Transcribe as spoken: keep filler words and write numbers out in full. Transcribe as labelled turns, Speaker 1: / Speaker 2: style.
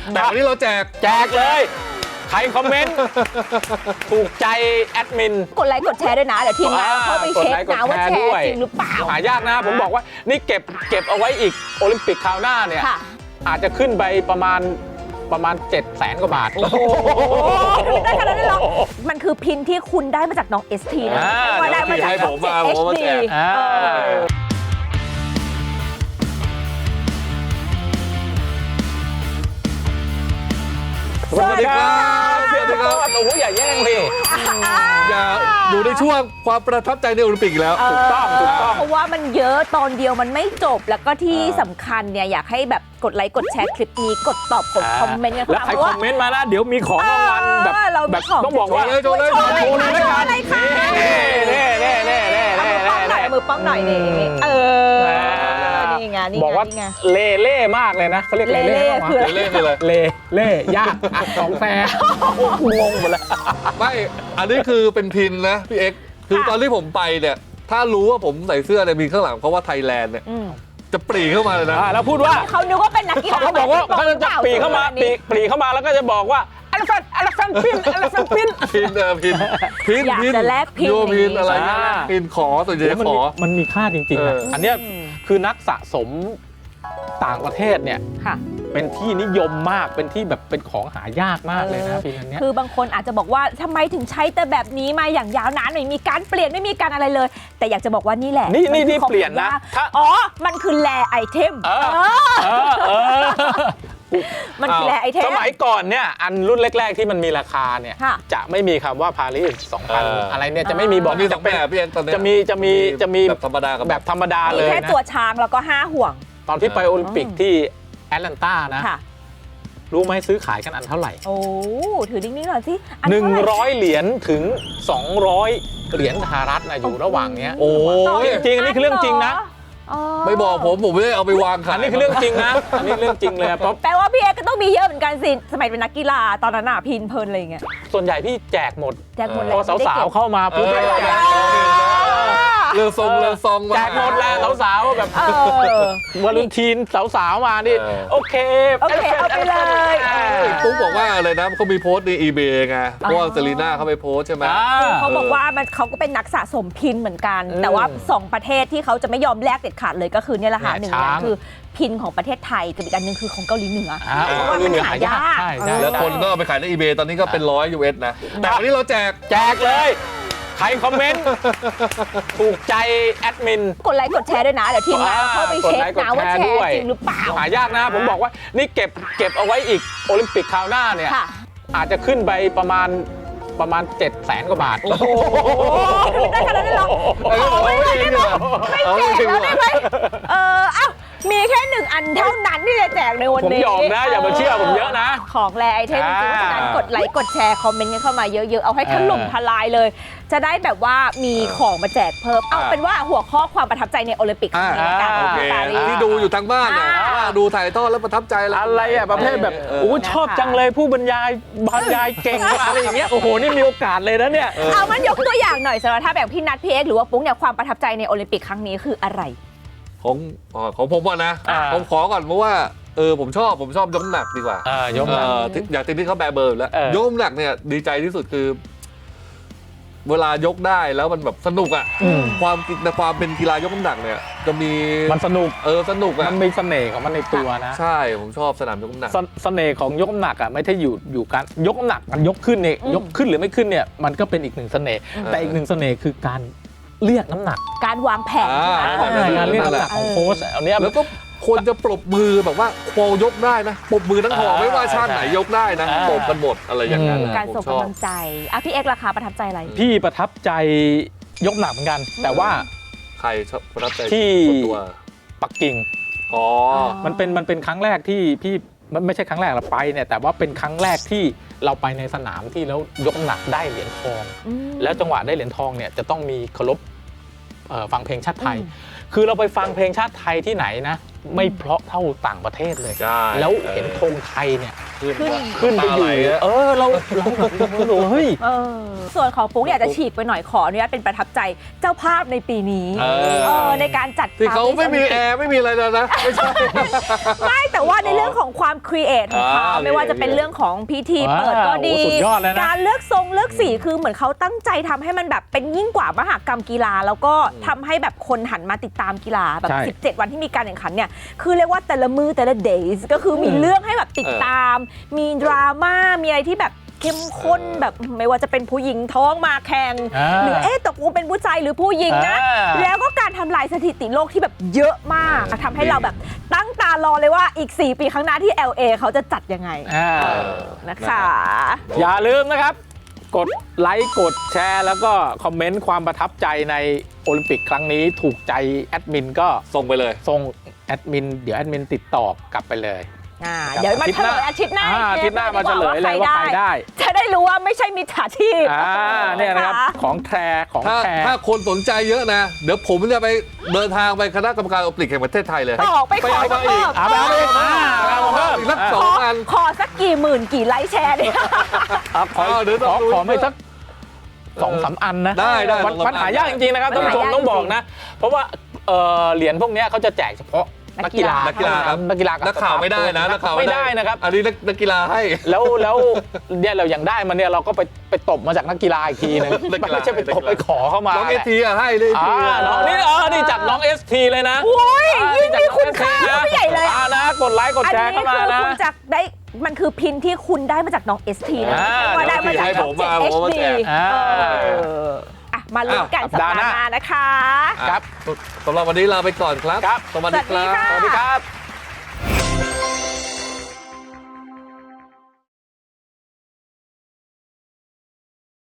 Speaker 1: แต่วันนี้เราแจก
Speaker 2: แจกเลยใครคอมเมนต์ถูกใจแอดมิน
Speaker 3: กดไลค์กดแชร์ด้วยนะเดี๋ยวทีมงานเข้าไปเช็คนะว่าแชร์จริงหรือเปล่า
Speaker 2: หายากนะผมบอกว่านี่เก็บเก็บเอาไว้อีกโอลิมปิกคราวหน้าเนี่ยอาจจะขึ้นไปประมาณประมาณเจ็ดแสนกว่าบาทโอ้โห
Speaker 3: ได้ขนาดนั้นหรอมันคือพินที่คุณได้มาจากน้อง เอส ที นะว่าได้มาจากน้อง เอช ดี
Speaker 2: สวัสดีครับสวัสดีครับโอ้โหอย่าแย่งดิ
Speaker 1: อย่าอยู่ในช่วงความประทับใจในโอลิมปิกแล้ว
Speaker 2: ถูกต้องถูกต้อง
Speaker 3: เพราะว่ามันเยอะตอนเดียวมันไม่จบแล้วก็ที่สำคัญเนี่ยอยากให้แบบกดไลค์กดแชร์คลิปนี้กดตอบกดคอมเมนต์กัน
Speaker 2: แล้วใครคอมเมนต์มาแล้วเดี๋ยวมีของรางวัลแบบแบบต้องบอกว่า
Speaker 1: โชว์เลยโชว์เลย
Speaker 3: โชว์เลยค่ะ
Speaker 2: เน่เน่เน่เน่เน่
Speaker 3: มือป้องหน่อยมือป้องหน่อยนี่เออนี่ไงนี่ไง
Speaker 2: บอกว่าเล่เล่มากเลยนะเขาเรียกเล่เล่
Speaker 3: คือ
Speaker 1: เล่คืออะไร
Speaker 2: เล่เล่ยากอัดของแฟร์งงหมดแล้ว
Speaker 1: ไม่อันนี้คือเป็นพินนะพี่เอ็กซ์คือตอนที่ผมไปเนี่ยถ้ารู้ว่าผมใส่เสื้อเนี่ยมีข้างหลังเพราะว่าไทยแลนด์เนี่ยจะปรีเข้ามาเลยนะ
Speaker 2: แล้วพูดว่า
Speaker 3: เขานึกว่าเป็นนักกีฬา
Speaker 2: เขาบอกว่าเขาจะปรีเข้ามาปรีปรีเข้ามาแล้วก็จะบอกว่าอลฟันอลฟันพินอลฟันพิน
Speaker 1: พินเออพินพิน
Speaker 3: อยากจะแลกพิน
Speaker 1: โยพินอะไรเงี้ยพินขอส่วนใหญ่ขอ
Speaker 2: มันมีค่าจริงๆนะอันนี้คือนักสะสมต่างประเทศเนี่ยเป็นที่นิยมมากเป็นที่แบบเป็นของหายากมากเลยนะพินอันนี้
Speaker 3: คือบางคนอาจจะบอกว่าทำไมถึงใช้แต่แบบนี้มาอย่างยาวนานไม่มีการเปลี่ยนไม่มีการอะไรเลยแต่อยากจะบอกว่านี่แหละ
Speaker 2: นี่นี่นี่เปลี่ยนนะ
Speaker 3: อ๋อมันคือแลไอเทมมันคือแลไอเทม
Speaker 2: สมัยก่อนเนี่ยอันรุ่นแรกๆที่มันมีราคาเนี่ยจะไม่มีคำว่าปารีสสองพันอะไรเนี่ยจะไม่มีบอก
Speaker 1: จะเป็น
Speaker 2: จะมีจะมีจะมี
Speaker 1: แบบธรรมดากับ
Speaker 2: แบบธรรมดาเลยนะ
Speaker 3: แค่ตัวช้างแล้วก็ห้าห่วง
Speaker 2: ตอนที่ไปโอลิมปิกที่แอตแลนตานะรู้ไหมซื้อขายกันอันเท่าไหร่
Speaker 3: โอ้ถือดิ้งๆหน่อยสิ
Speaker 2: หนึ่งร้อยเหรียญถึงสองร้อยเหรียญสหรัฐนะอยู่ระหว่างเนี้ยโอ้จริงอันนี้คือเรื่องจริงนะ
Speaker 1: ไม่บอกผมผมไม่ได้เอาไปวางขาย
Speaker 2: อันนี้คือเรื่องจริงนะอันนี้เรื่องจริงเลยเพราะ
Speaker 3: แปลว่าพี่เอ็กก็ต้องมีเยอะเหมือนกันสิสมัยเป็นนักกีฬาตอนนั้นน่ะพินเพลินอะไรอย่างเงี้ย
Speaker 2: ส่วนใหญ่พี่แจกหมด
Speaker 3: แจกหมดเลย
Speaker 2: พอสาวๆเข้ามาปุ๊บ
Speaker 1: เรือทรงเรือทรง
Speaker 2: แจกหมดแล้วสาวๆแบบวาเลนไทน์สาวๆมานี่โอเค
Speaker 3: โอเคเอาไปเลย
Speaker 1: ปุ๊บบอกว่าอะไรนะเขามีโพสต์ใน อี เบย์ ไงเพราะว่าเซรีน่าเขาไปโพสต์ใช่ไหม
Speaker 3: เขาบอกว่ามันเขาก็เป็นนักสะสมพินเหมือนกันแต่ว่าสองประเทศที่เขาจะไม่ยอมแลกเด็ดขาดเลยก็คือเนี่ยแหละค่ะหนึ่งอย่างคือพินของประเทศไทยกับอีกอันนึงคือของเกาหลีเหนือเพราะว่ามันหายาก
Speaker 1: แล้วคนก็ไปขายใน อี เบย์ ตอนนี้ก็เป็นร้อย ยู เอส นะแต่วันนี้เราแจก
Speaker 2: แจกเลยใครคอมเมนต์ถูกใจแอดมิน
Speaker 3: กดไลค์กดแชร์ด้วยนะเดี๋ยวทีมงานเข้าไปเช็คนะว่าแชร์จริงหรือเปล่า
Speaker 2: หายากนะผมบอกว่านี่เก็บเก็บเอาไว้อีกโอลิมปิกคราวหน้าเนี่ยอาจจะขึ้นไปประมาณประมาณเจ็ดแสนกว่าบาทโอ้โห
Speaker 3: ได้ขนาดนั้นหรอไม่ได้ไม่ได้ไม่แจกแล้วได้ไหมเออเอ้ามีแค่หนึ่งอันเท่านั้นที่จะแจกในวันนี้
Speaker 2: ผมยอมนะอย่ามาเชื่อผมเยอะนะ
Speaker 3: ของแลไอเทมจริงๆเพราะฉะนั้นกดไลค์กดแชร์คอมเมนต์กันเข้ามาเยอะๆเอาให้ถล่มทลายเลยจะได้แบบว่ามีของมาแจกเพิ่มเอาเป็นว่าหัวข้อความประทับใจในโอลิมปิกครั้งนี้ละกัน
Speaker 1: ที่ดูอยู่ทางบ้านนะดูถ่ายทอดแล้วประทับใจ
Speaker 2: อะไรอ่ะประเภทแบบโอ้ชอบจังเลยผู้บรรยายบรรยายเก่งอะไรอย่างเงี้ยโอ้โหนี่มีโอกาสเลยนะเนี่ย
Speaker 3: เอามันยกตัวอย่างหน่อยสำหรับถ้าแบบพี่นัทพี่เอ็กหรือว่าปุ๊กเนี่ยความประทับใจในโอลิมปิกครั้งนี้คืออะไร
Speaker 1: ของของผมก่อนนะผมขอก่อนเพราะว่าเออผมชอบผมชอบยกน้ำหนักดีกว่ายกอยากติดที่เขาแบเบอร์แล้วยกน้ำหนักเนี่ยดีใจที่สุดคือเวลายกได้แล้วมันแบบสนุกอ่ะความในความเป็นกีฬายกน้ำหนักเนี่ยจะมี
Speaker 2: มันสนุก
Speaker 1: เออสนุกอ่ะ
Speaker 2: มันมีเสน่ห์ของมันในตัวนะ
Speaker 1: ใช่ผมชอบสนามยกน้ำหนัก
Speaker 2: เสน่ห์ของยกน้ำหนักอ่ะไม่ใช่อยู่อยู่การยกน้ำหนักมันยกขึ้นเนี่ยยกขึ้นหรือไม่ขึ้นเนี่ยมันก็เป็นอีกหนึ่งเสน่ห์แต่อีกหนึ่งเสน่ห์คือการเรียกน้ำหนัก
Speaker 3: การวางแผน
Speaker 2: การเรียกน้ำหนักของโค้ชอันนี้
Speaker 1: แล้วก็คนจะปรบมือแบบว่าโปยกได้นะปรบมือทั้งหอไม่ว่าชาติไหนยกได้นะปรบกันหมดอะไรอย่างนั้น
Speaker 3: การส่งกำลังใจอ่ะพี่เอกราคาประทับใจอะไร
Speaker 2: พี่ประทับใจยกหนักเหมือนกันแต่ว่า
Speaker 1: ใครชอบประทับใจ
Speaker 2: ที่ปักกิ่ง
Speaker 1: อ๋อ
Speaker 2: มันเป็นมันเป็นครั้งแรกที่พี่มันไม่ใช่ครั้งแรกเราไปเนี่ยแต่ว่าเป็นครั้งแรกที่เราไปในสนามที่แล้วยกน้ำหนักได้เหรียญทองแล้วจังหวะได้เหรียญทองเนี่ยจะต้องมีเคารพฟังเพลงชาติไทยคือเราไปฟังเพลงชาติไทยที่ไหนนะไม่เพราะเท่าต่างประเทศเลย
Speaker 1: ใช่
Speaker 2: แล้วเห็นธงไทยเนี่ย
Speaker 3: ขึ้น
Speaker 2: ขึ้นไปอยู่ เออเราเราแบบเรารู้เฮ้ย
Speaker 3: เออส่วนของปุ๊กอยากจะฉีกไปหน่อยขออนุญาตเป็นประทับใจเจ้าภาพในปีนี้
Speaker 1: เออ
Speaker 3: เออในการจัด
Speaker 1: ที่เขาไม่มีแอร์ไม่มีอะไรเลยนะไม่ใช่
Speaker 3: ไม่แต่ว่าในเรื่องของความครีเอทของเขา
Speaker 1: อ่า
Speaker 3: ไม่ว่าจะเป็นเรื่องของพิธีเปิดก็ดี
Speaker 2: ว้าวสุดยอดเลยนะ
Speaker 3: การเลือกทรงเลือกสีคือเหมือนเขาตั้งใจทำให้มันแบบเป็นยิ่งกว่ามหกรรมกีฬา แล้วก็ทำให้แบบคนหันมาติดตามกีฬาแบบ
Speaker 2: ใช่
Speaker 3: สิบเจ็ด วันที่มีการแข่งขันเนี่ยคือเรียกว่าแต่ละมือแต่ละ days ก็คือมีเรื่องให้แบบติดตาม มีดราม่ามีอะไรที่แบบเข้มข้นแบบไม่ว่าจะเป็นผู้หญิงท้องมาแข่ง
Speaker 2: อ่า
Speaker 3: หรือเอ๊ะตกลงเป็นผู้ชายหรือผู้หญิงนะ
Speaker 2: อ่า
Speaker 3: แล้วก็การทำลายสถิติโลกที่แบบเยอะมากทำให้เราแบบตั้งตารอเลยว่าอีก สี่ ปีข้างหน้าที่ แอล เอ เขาจะจัดยังไง
Speaker 2: อ่า
Speaker 3: นะคะ
Speaker 2: อย่าลืมนะครับ กดไลค์กดแชร์ แล้วก็คอมเมนต์ความประทับใจในโอลิมปิกครั้งนี้ถูกใจแอดมินก็
Speaker 1: ส่งไปเลย
Speaker 2: ส่งแอดมินเดี๋ยวแอดมินติดต่อกลับไปเลย
Speaker 3: อ่า
Speaker 2: ครับ
Speaker 3: เดี๋ยวมาเฉลยอาทิตย์หน้า
Speaker 2: อ่าอาทิตย์หน้ามาเฉลยเลยว่าใครได้
Speaker 3: จะได้รู้ว่าไม่ใช่มิจฉาชีพ
Speaker 2: อ่าเนี่ยนะครับของแทรของ
Speaker 1: ถ้า
Speaker 2: แทร
Speaker 1: ถ้าคนสนใจเยอะนะ เดี๋ยวผมจะไปเดินทางไปคณะกรรมการโอลิมปิกแห่งประเทศไทยเลย
Speaker 3: ออกไปขอ
Speaker 1: ไปเอามาอีก
Speaker 3: เพิ่ม
Speaker 2: เอาไปเอาไปอีกอ่าเอาเพิ่ม
Speaker 1: อีกสักส
Speaker 3: ข
Speaker 1: อง
Speaker 3: อ
Speaker 1: อัน
Speaker 3: ขอสักกี่หมื่นกี่ไลค์แชร์เนี่ย
Speaker 2: อ่ะขอ
Speaker 1: เอาเดี๋ยวต้
Speaker 2: ข
Speaker 1: อง
Speaker 2: อ
Speaker 1: ดู
Speaker 2: ขอไม่สักสองสามอันนะ
Speaker 1: ได้ได้
Speaker 2: มัน
Speaker 1: สองสาม
Speaker 2: มันหายากจริงๆนะครับ
Speaker 3: มั
Speaker 2: ท่าน น
Speaker 3: หา
Speaker 2: ผู้ชม
Speaker 3: ยาก
Speaker 2: ต้องบอกนะ เพราะว่าเอ่อเหรียญพวกเนี้ยเขาจะแจกเฉพาะ
Speaker 3: นั
Speaker 2: นัก
Speaker 3: กกี
Speaker 2: กีฬา
Speaker 3: ฬา
Speaker 1: นักกีฬาครับ
Speaker 2: นักกีฬากับ
Speaker 1: นักข่าวไม่ได้นะนักข่าว
Speaker 2: ไม่ได้นะครับ
Speaker 1: อันนี้นักนักกีฬาให้
Speaker 2: แล้วแล้วเนี่ยเราอย่างได้มาเนี่ยเราก็ไปไปตบมาจากนักกีฬาอีกทีนึง
Speaker 1: นักกีฬา
Speaker 2: ไม่ใช่ไปตบไปขอเข้ามา
Speaker 1: น้องเอทีอะให้เลย
Speaker 2: อ่าน้องนี่เออนี่จัดน้อง เอส ที เลยนะ
Speaker 3: โอ้ย
Speaker 2: อ่า
Speaker 3: ยิ่ง
Speaker 2: จัด
Speaker 3: มี
Speaker 2: น้อง
Speaker 3: คุณค่า
Speaker 2: เอส ที นะ
Speaker 3: เข้าไปใหญ่เลย
Speaker 2: อ่านะกดไลค์กด
Speaker 3: อัน
Speaker 2: แช
Speaker 3: นี้
Speaker 2: ร์เข้ามา
Speaker 3: คือ
Speaker 2: นะ
Speaker 3: คุณจะได้มันคือพินที่คุณได้มาจากน้อง เอส ที นะ
Speaker 2: อ่า
Speaker 3: ว่าได้มาจาก
Speaker 1: ให้
Speaker 3: ช่
Speaker 1: ผ
Speaker 3: อง
Speaker 1: ม
Speaker 3: เจ็ด
Speaker 1: มา
Speaker 3: เอ
Speaker 1: ผม
Speaker 3: ช
Speaker 1: มา
Speaker 3: ดี
Speaker 1: แจก
Speaker 2: อ่า
Speaker 3: อ่ะมาลุ้นกัน
Speaker 2: อ้าว
Speaker 3: สัปดาห์
Speaker 2: สัปดาห์ห
Speaker 3: ห
Speaker 2: น้า
Speaker 3: น้านะคะ
Speaker 1: ครับสำหรับวันนี้ลาไปก่อนครับ
Speaker 2: ครับ
Speaker 1: สวัสดีครั
Speaker 3: สวัสดีค่ะ
Speaker 1: บ
Speaker 2: สวัสดีครับ